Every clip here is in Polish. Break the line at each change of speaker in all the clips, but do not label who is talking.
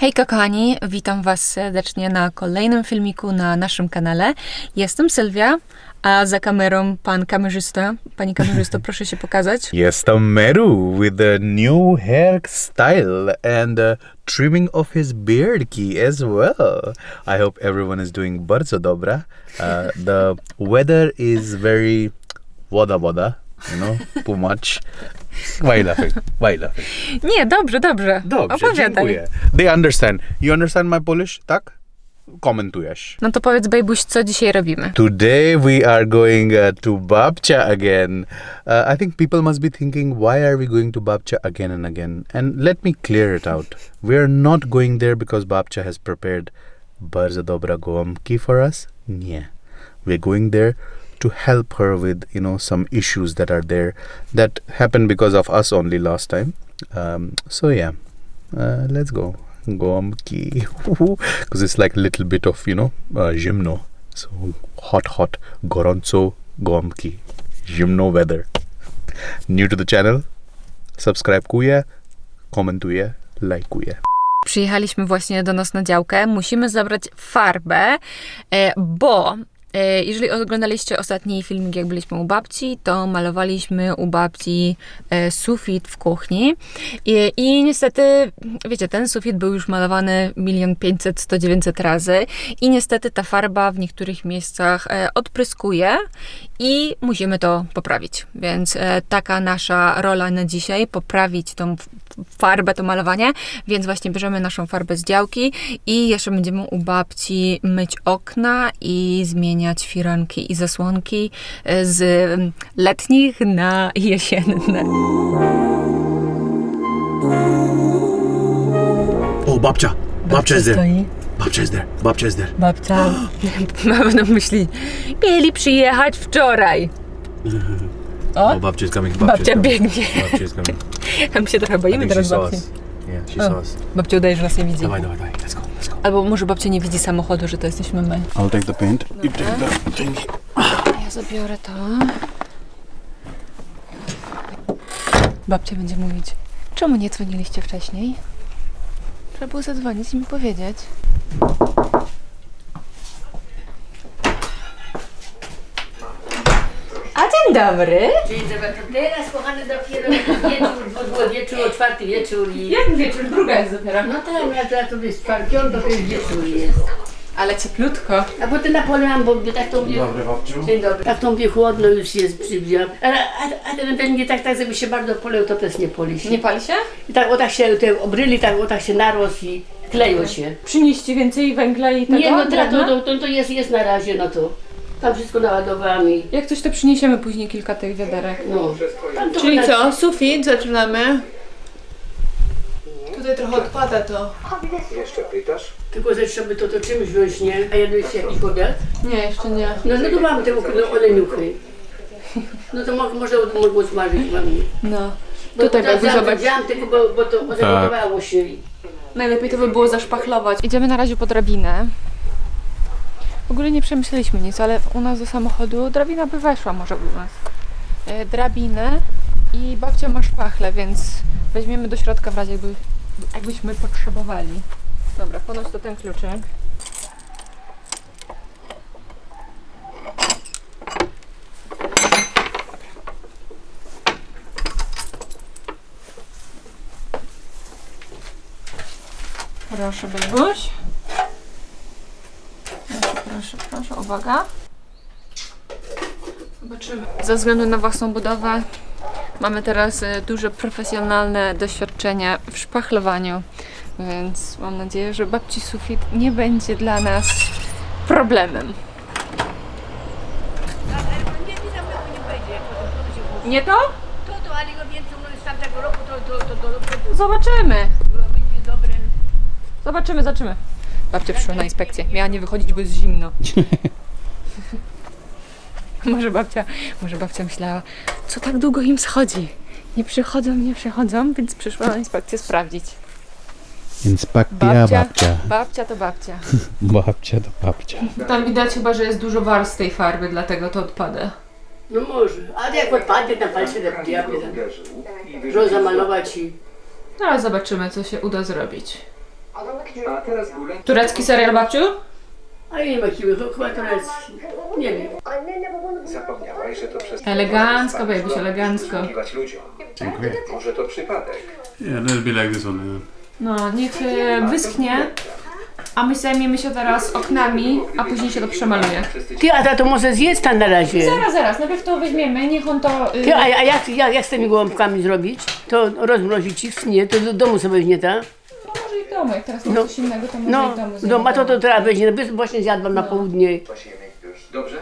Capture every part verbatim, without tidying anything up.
Hejka kochani, witam was serdecznie na kolejnym filmiku na naszym kanale. Jestem Sylwia, a za kamerą pan kamerzysta. Pani kamerzysto, proszę się pokazać.
Jestem Meru with a new hairstyle and uh, trimming of his beard key as well. I hope everyone is doing bardzo dobra. Uh, the weather is very woda woda, you know, too much. Why laughing? Why laughing?
Nie, dobrze, dobrze.
Dobrze,
Opowiadaj.
dziękuję. They understand. You understand my Polish, tak? Komentujesz.
No to powiedz, Bejbuś, co dzisiaj robimy?
Today we are going uh, to Babcia again. Uh, I think people must be thinking, why are we going to Babcia again and again? And let me clear it out. We are not going there because Babcia has prepared bardzo dobra gołąbki for us. Nie. We're going there to help her with, you know, some issues that are there that happened because of us only last time. Um, so yeah, uh, let's go. Gołąbki. Because it's like a little bit of, you know, uh, zimno. So hot, hot, gorąco gołąbki. Zimno weather. New to the channel? Subskrybuję, komentuję, lajkuję.
Przyjechaliśmy właśnie do nas na działkę. Musimy zabrać farbę, e, bo e, jeżeli oglądaliście ostatni filmik, jak byliśmy u babci, to malowaliśmy u babci e, sufit w kuchni. I, I niestety, wiecie, ten sufit był już malowany milion pięćset, sto, dziewięćset razy i niestety ta farba w niektórych miejscach e, odpryskuje i musimy to poprawić. Więc e, taka nasza rola na dzisiaj, poprawić tą farbę, to malowanie, więc właśnie bierzemy naszą farbę z działki i jeszcze będziemy u babci myć okna i zmieniać firanki i zasłonki z letnich na jesienne.
O, babcia! Babcia is there!
Stoi.
Babcia is there! Babcia is there!
Babcia, mam na myśli, mieli przyjechać wczoraj. O,
Oh, babcia is coming.
babcia biegnie.
Babcia is coming.
My się trochę boimy teraz babci.
Yeah, she
O.
saw us.
Babcia udaje, że nas nie widzi.
Dawaj, dawaj, dawaj. Let's go, let's go.
Albo może babcia nie widzi samochodu, że to jesteśmy my.
I'll take the paint. You take the thingy.
Ja zabiorę to. Babcia będzie mówić, czemu nie dzwoniliście wcześniej? Trzeba było zadzwonić i mi powiedzieć. A dzień dobry!
Dzień dobry, to teraz kochany dopiero wieczór, bo było wieczór, o czwarty wieczór i...
Jak wieczór? Druga jest dopiero.
No tak, ja to jest czwarty, to jest wieczór jest.
Ale cieplutko.
A potem napoleam, bo tak to mnie...
Dobry, babciu.
Dzień dobry. Tak to mnie chłodno już jest, przybijam. A, a, a ten pewnie tak, tak, żeby się bardzo poleł, to też nie poli się.
Nie pali się?
I tak o tak się, te obryli tak o tak się narósł i kleją się.
Przynieście więcej węgla i tego?
Nie, no to,
drewna?
to, to, to jest, jest na razie, no to... Tam wszystko naładowałam i...
Jak coś, to przyniesiemy później kilka tych wiaderek.
No. Tam to
Czyli
na-
co? Sufit zaczynamy. Tutaj trochę odpada to.
Jeszcze pytasz?
Tylko że trzeba to, to czymś wziąć, nie? A jadłeś jakiś obiad?
Nie, jeszcze nie.
No, no to mam te no, oleniuchy. No to mo- może mogło smażyć mam.
No.
Bo
Tutaj
teraz
Bebu, zobacz.
wziąłem tylko, bo, bo to odejmowało się. i-
Najlepiej to by było zaszpachlować.
Idziemy na razie po drabinę. W ogóle nie przemyśleliśmy nic, ale u nas do samochodu drabina by weszła może u nas. E, drabinę i babcia ma szpachlę, więc weźmiemy do środka w razie jakby, jakbyśmy potrzebowali. Dobra, ponoć to ten kluczyk. Proszę, Bebuś. Proszę, proszę, uwaga. Zobaczymy. Ze względu na własną budowę mamy teraz e, duże profesjonalne doświadczenie w szpachlowaniu, więc mam nadzieję, że babci sufit nie będzie dla nas problemem. Nie to?
To, to, ale go więcej no, z tamtego roku to, to, to, to, to,
Zobaczymy.
to będzie dobre.
Zobaczymy, zobaczymy. Babcia przyszła na inspekcję. Miała nie wychodzić, bo jest zimno. Może babcia, może babcia myślała, co tak długo im schodzi. Nie przychodzą, nie przychodzą, więc przyszła na inspekcję sprawdzić.
Inspekcja
Babcia,
babcia.
babcia to babcia.
Babcia to babcia.
Tam widać chyba, że jest dużo warstw tej farby, dlatego to odpada.
No może. A jak odpadnie tam palce do diabły tam. Że zamalować i...
Zaraz zobaczymy, co się uda zrobić.
A teraz górę.
Turecki serial, babciu?
A ja nie ma siły, chyba turecki. Nie wiem.
Zapomniałaś, że to przez...
Elegancko, babyś, elegancko.
Posługiwać ludziom.
Dziękuję.
Może to przypadek.
Yeah, let's be like this one. Yeah.
No, niech e, wyschnie, a my zajmiemy się teraz oknami, a później się to przemaluje.
Ty, a to może zjedz tam na razie.
Zaraz, zaraz, najpierw to weźmiemy, niech on to... y,
Ty, a, a jak, jak, jak z tymi gołąbkami zrobić? To rozmrozić ich? Nie, to do domu sobie weźmie, tak?
No może i w domu, jak teraz mam
No.
coś innego, to może
No,
i w domu.
no, a to, to trzeba weźmie, no, właśnie zjadłam na południe.
Posiemy już. Dobrze?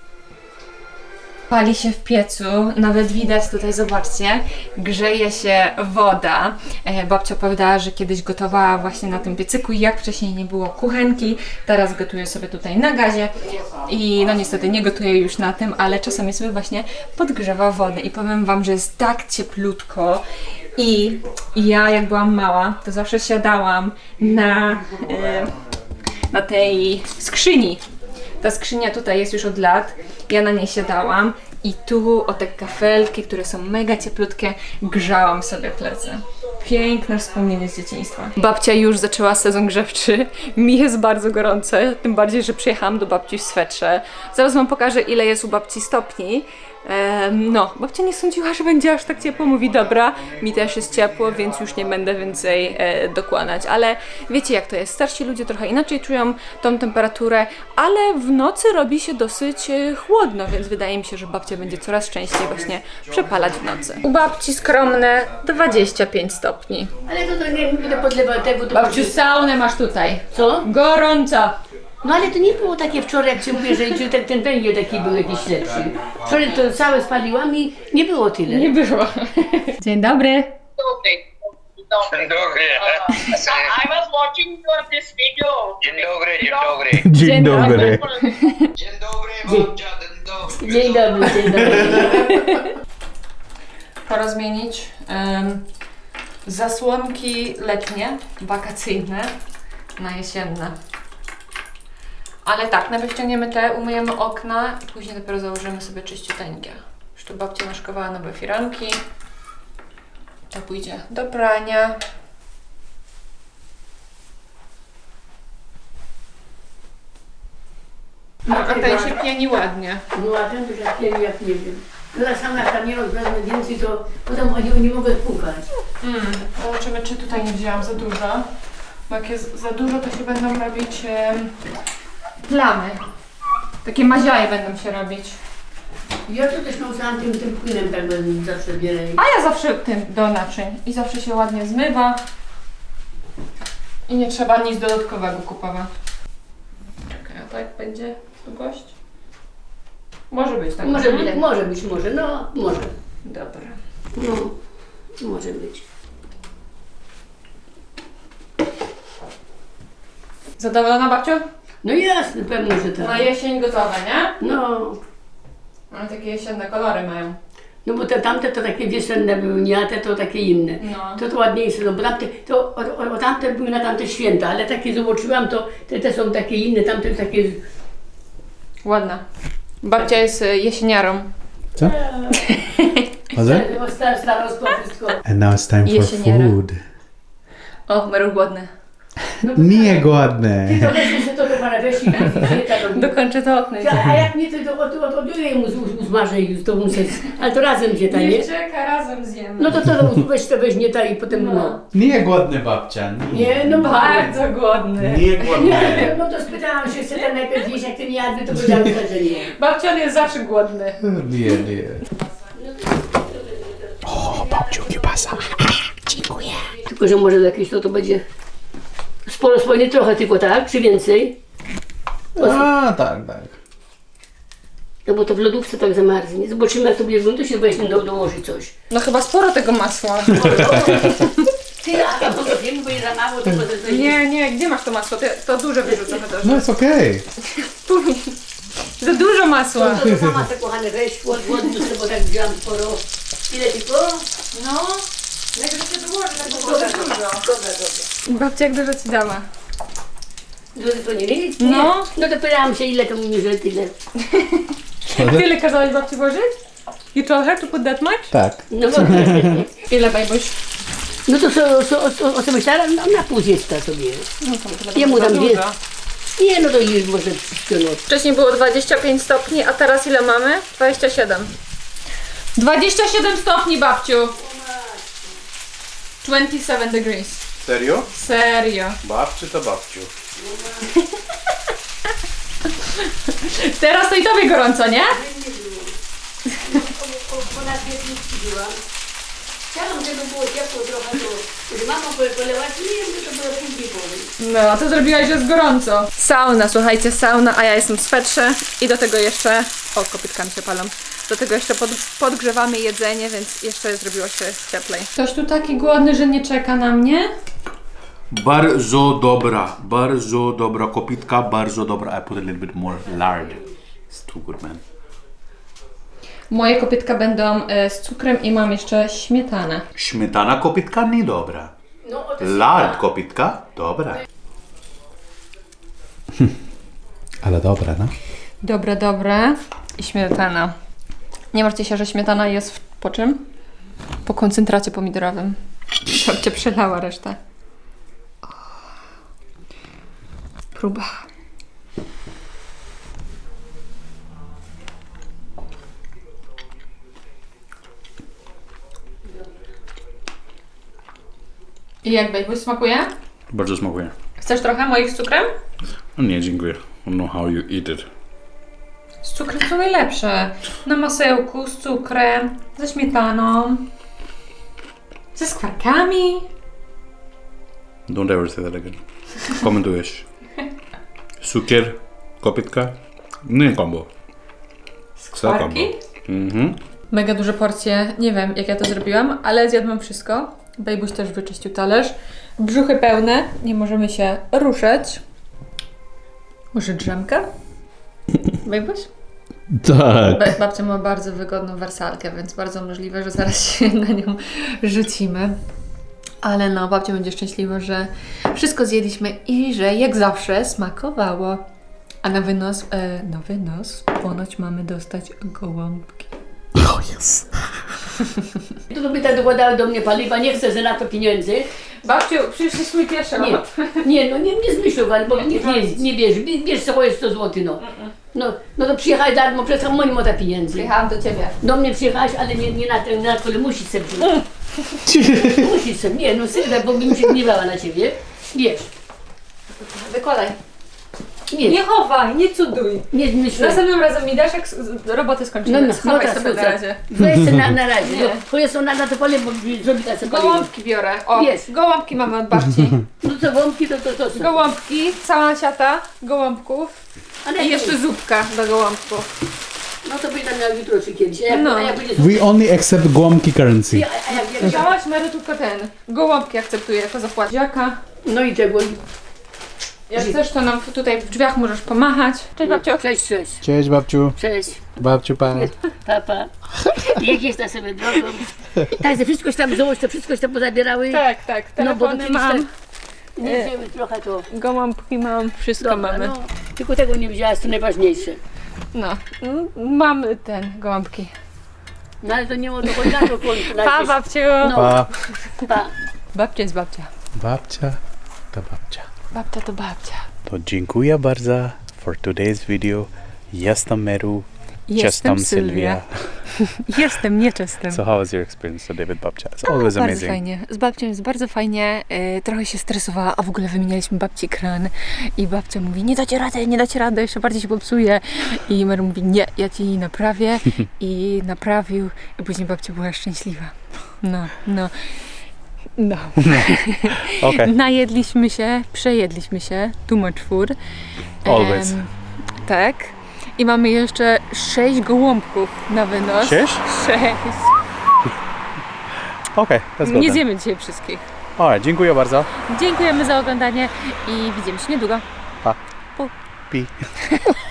Pali się w piecu, nawet widać tutaj, zobaczcie, grzeje się woda. E, babcia opowiadała, że kiedyś gotowała właśnie na tym piecyku i jak wcześniej nie było kuchenki, teraz gotuje sobie tutaj na gazie i no niestety nie gotuje już na tym, ale czasami sobie właśnie podgrzewa wodę i powiem Wam, że jest tak cieplutko i ja jak byłam mała, to zawsze siadałam na, e, na tej skrzyni. Ta skrzynia tutaj jest już od lat, ja na niej siadałam i tu o te kafelki, które są mega cieplutkie, grzałam sobie plecy. Piękne wspomnienie z dzieciństwa. Babcia już zaczęła sezon grzewczy, mi jest bardzo gorące, tym bardziej, że przyjechałam do babci w swetrze. Zaraz Wam pokażę, ile jest u babci stopni. Ehm, no, babcia nie sądziła, że będzie aż tak ciepło, mówi dobra, mi też jest ciepło, więc już nie będę więcej e, dokładać, ale wiecie jak to jest, starsi ludzie trochę inaczej czują tą temperaturę, ale w nocy robi się dosyć e, chłodno, więc wydaje mi się, że babcia będzie coraz częściej właśnie przepalać w nocy. U babci skromne dwadzieścia pięć stopni.
Ale to, to nie będę podlewał tego, to
Babciu, saunę masz tutaj.
Co?
Gorąco.
No ale to nie było takie wczoraj, jak ci mówię, że że ten, ten węgiel taki był jakiś lepszy. Wczoraj to całe spaliłam i nie było tyle.
Nie było. Dzień dobry.
Dzień dobry. So I was watching your this video. Dzień dobry, dzień dobry.
Dzień dobry.
Dzień dobry, babcia, dzień dobry.
Dzień dobry, dzień dobry.
Pora zmienić em, zasłonki letnie, wakacyjne na jesienne. Ale tak, najpierw ściągniemy te, umyjemy okna i później dopiero założymy sobie czyściuteńkie. Już tu babcia naszkowała nowe firanki. To pójdzie do prania. No, a ten się pieni ładnie.
No a ten to jak nie, jak nie wiem. Teraz sama jak tam nie rozwezmę więcej, to potem oni nie mogę spłukać.
Mm, zobaczymy, czy tutaj nie wzięłam za dużo. Bo jak jest za dużo, to się będą robić em, plamy. Takie maziaje będą się robić.
Ja to też nauczyłam tym, tym płynem tak będę zawsze bierę.
A ja zawsze tym do naczyń. I zawsze się ładnie zmywa. I nie trzeba nic dodatkowego kupować. Czekaj, a tak będzie długość? Może być tak.
Może być,
mhm.
tak, może być, może, no, może.
Dobra.
No, może być.
Zadowolona, babciu?
No jasne, pewnie, że tak.
Na jesień gotowe, nie?
No,
Ale takie jesienne kolory mają.
no bo te tamte to takie wiosenne były, nie, a te to takie inne.
No.
To to ładniejsze, no bo tamte, to o, o, o tamte były na tamte święta, ale takie zobaczyłam, to te, te są takie inne, tamte takie...
Ładna. Babcia jest y, jesieniarą.
Co? Was it?
No, sta- starostwo wszystko.
And now it's time for
Jesieniera.
food.
O, Meru głodny.
Nie głodne.
Ty to weź jeszcze to do pana weź i
Dokończę to okno.
A jak nie, to to od, od, odbiorę mu, z- uzmarzę i to muszę, ale to razem gdzie ta, nie?
Niech czeka, razem zjemy.
No to to weź to weź nie ta i potem no.
Nie głodny babcia.
Nie, no
Bardzo głodny.
Nie głodny.
No to spytałam się, chce ten najpierw jeść, jak ten jadły, to powiedziałam, że nie.
Babcia jest zawsze głodny.
Nie, nie. O, babciu, kiełbasa.
Tylko, że może jakieś to, to będzie sporo, sporo, nie trochę tylko, tak? Czy więcej?
A, tak, tak.
No bo to w lodówce tak zamarznie. Zobaczymy, jak to będzie wyglądać, to się weźmie do, dołoży coś.
No chyba sporo tego masła.
Ty, a ja to wiem, bo jest za mało, to potem to
Nie, nie, gdzie masz to masło? To, to duże wyrzucamy też.
No, it's okay.
Za dużo masła.
To, to mama te kochane weź, łodnie, bo tak wziąłam sporo. Ile tylko?
No, najpierw się dołoży, tak
Dobra, dobra, dobra, dobra.
Babcia jak dużo ci dała.
Dużo to nie wiem?
No.
No to pytałam się, ile to mówi, że tyle.
Tyle kazałeś babci włożyć? You told her to put that much?
Tak.
No bo
Ile, bajbuś?
No to co, co, co, o co myślałem? No, na pół dziecka sobie. Jemu tam dwie. Nie, no to już może wszystko noc.
Wcześniej było dwadzieścia pięć stopni, a teraz ile mamy? dwadzieścia siedem.
dwadzieścia siedem stopni, babciu. dwadzieścia siedem degrees.
Serio?
Serio.
Babciu to babciu.
Teraz to i tobie gorąco, nie?
Chciałam, żeby było ciepło trochę, to że mama polewała, nie wiem, że to było później powiem.
No, a to zrobiłaś, że jest gorąco.
Sauna, słuchajcie, sauna, a ja jestem w swetrze i do tego jeszcze, o, kopytkami się palą, do tego jeszcze pod, podgrzewamy jedzenie, więc jeszcze zrobiło się cieplej.
Ktoś tu taki głodny, że nie czeka na mnie?
Bardzo dobra, bardzo dobra kopitka, bardzo dobra. I put a little bit more lard. It's too good, man.
Moje kopytka będą e, z cukrem i mam jeszcze śmietanę.
Śmietana kopitka nie dobra. Lard kopitka dobra. Ale dobra, no?
Dobre, dobre. I śmietana. Nie martwcie się, że śmietana jest w, po czym? Po koncentracie pomidorowym. Babcia przelała resztę. Próba. I jak bejbuś smakuje?
Bardzo smakuje.
Chcesz trochę moich z cukrem?
No nie, dziękuję. I don't know how you eat it.
Z cukrem są najlepsze. Na masełku, z cukrem, ze śmietaną, ze skwarkami.
Don't ever say that again. Komentujesz. Cukier, kopitka, nie kombo.
Skwarki?
Mhm.
Mega duże porcje. Nie wiem, jak ja to zrobiłam, ale zjadłam wszystko. Bejbuś też wyczyścił talerz. Brzuchy pełne, nie możemy się ruszać. Może drzemkę? Bejbuś?
Tak.
Ba- babcia ma bardzo wygodną wersalkę, więc bardzo możliwe, że zaraz się na nią rzucimy. Ale no, babcia będzie szczęśliwa, że wszystko zjedliśmy i że jak zawsze smakowało. A na wynos, e, na wynos ponoć mamy dostać gołąbki.
Oh yes.
To by tak dokładały do mnie paliwa, nie chcę za na to pieniędzy.
Babciu, przecież jest mój pierwszy
Nie, nie, no nie, nie zmyślowali, bo nie, nie, nie bierz, bierz, bierz sobie sto złotych, no. No, no to przyjechałeś darmo, przez sam moim ta pieniędzy.
Przyjechałam do ciebie.
Do mnie przyjechałaś, ale nie, nie na ten, na który musisz sobie wziąć. Musisz sobie, nie, no syna, bo bym się gniewała na ciebie. Wiesz,
Wykładaj.
nie,
Nie chowaj, nie cuduj.
nie zmyślaj.
Następnym razem mi dasz, jak s- roboty skończymy.
No, no,
Schowaj
tak,
sobie na
tak.
razie.
Weź sobie na, na razie,
Nie.
no, bo jest ona na to pole, bo zrobi tak sobie paliwo.
Gołąbki biorę. O,
Wiesz.
gołąbki mamy od babci.
No co, wątki, to to, to, to.
Gołąbki, cała siata gołąbków
Ale
i jeszcze zupka do gołąbków.
No to będę miał jutro czy kiedyś, a jak,
No.
a jak będzie
We only accept Guamki currency.
a, a jak, jak, jak,
Wziąłaś Mary tylko ten. Gołąbki akceptuję jako zapłaciaka.
no i tego.
Jak chcesz, to nam tutaj w drzwiach możesz pomachać. Cześć babciu.
Cześć, cześć,
Cześć babciu.
cześć.
Babciu pa.
Papa. Jak jest na sobie drogą? Tak, że wszystkoś tam złoś, to wszystkoś tam pozabierały.
Tak, tak,
No bo to
telefony
kiedyś
mam,
tak nie wzięły trochę to.
gołąbki mam, wszystko
Dobra,
mamy.
no, tylko tego nie wzięłaś, to najważniejsze.
No, mm, mamy ten, gołąbki.
No ale to nie ma dochodzi na to końcu.
Pa babciu.
No,
Pa.
pa.
Babcia jest babcia.
Babcia to babcia.
Babcia to babcia.
To dziękuję bardzo for today's video. Jestem Meru.
Jestem Sylwia. Jestem nieczestem.
So how was your experience today with babcia? It's always
Bardzo
amazing.
fajnie. Z babcią jest bardzo fajnie. E, trochę się stresowała, a w ogóle wymienialiśmy babci kran i babcia mówi, nie dacie rady, nie dacie rady, jeszcze bardziej się popsuje. I Mary mówi, nie, ja ci naprawię. I naprawił. I później babcia była szczęśliwa. No, no. No.
Okay.
Najedliśmy się, przejedliśmy się, too much food.
Always.
Em, tak. I mamy jeszcze sześć gołąbków na wynos.
Sześć?
Sześć.
Okay, let's go
Nie
then.
zjemy dzisiaj wszystkich.
Alright, dziękuję bardzo.
Dziękujemy za oglądanie i widzimy się niedługo.
Pi.